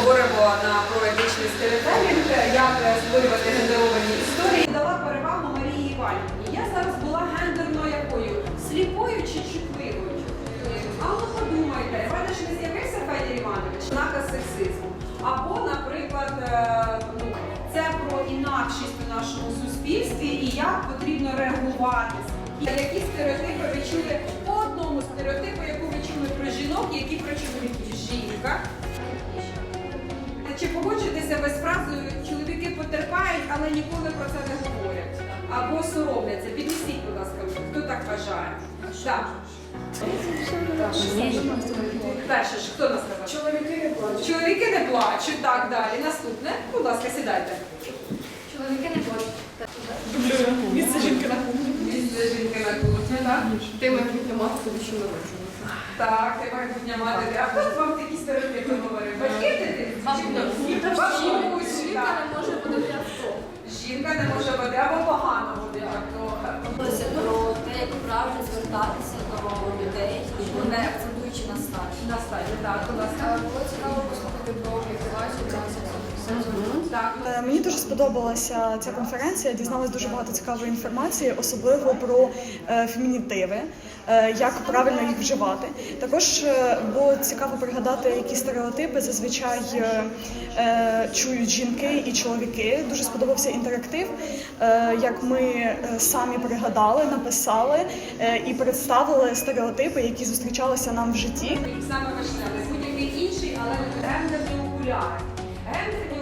поговоримо про етичний сторітелінг, як створювати гендеровані історії. Дала перевагу Марії Іванівні. Я зараз була гендерно якою? Сліпою чи чутливою? А ну подумайте, Івана ж не з'явився Федір Іванович, наказ сексизму. Або, наприклад, це про інакшість у нашому суспільстві і як потрібно реагувати. Які стереотипи ви чули по одному стереотипу, яку ви чули про жінок, які про чоловіків? Жінка. Чи погоджуєтеся ви з фразою «чоловіки потерпають, але ніколи про це не говорять» або соромляться? Піднесіть, будь ласка, хто так вважає? Так. Перше ж, хто нас сказав? Чоловіки не плачуть. Чоловіки не плачуть, так, далі. Наступне. Будь ласка, сідайте. Чоловіки не плачуть. Місце жінки на кухні. Місце жінки на кухні, так? Ти майбутня мати, тобі що народжувати. Так, ти майбутня мати. А хто вам такі стереотипи говорив? Батьки дитини? Бабусь, Жінка так. не може водити авто. Жінка не може бути або погано водити авто. Говорилося про те, як правильно звертатися до людей, не акцентуючи на статі. На стадії, так, будь ласка. Було цікаво послухати про мотивацію трансексуалів. Так. Мені дуже сподобалася ця конференція, я дізналась дуже багато цікавої інформації, особливо про фемінітиви, як правильно їх вживати. Також було цікаво пригадати, які стереотипи зазвичай чують жінки і чоловіки. Дуже сподобався інтерактив, як ми самі пригадали, написали і представили стереотипи, які зустрічалися нам в житті. Саме важливе, будь-який інший, але не гендерні окуляри. Гендерні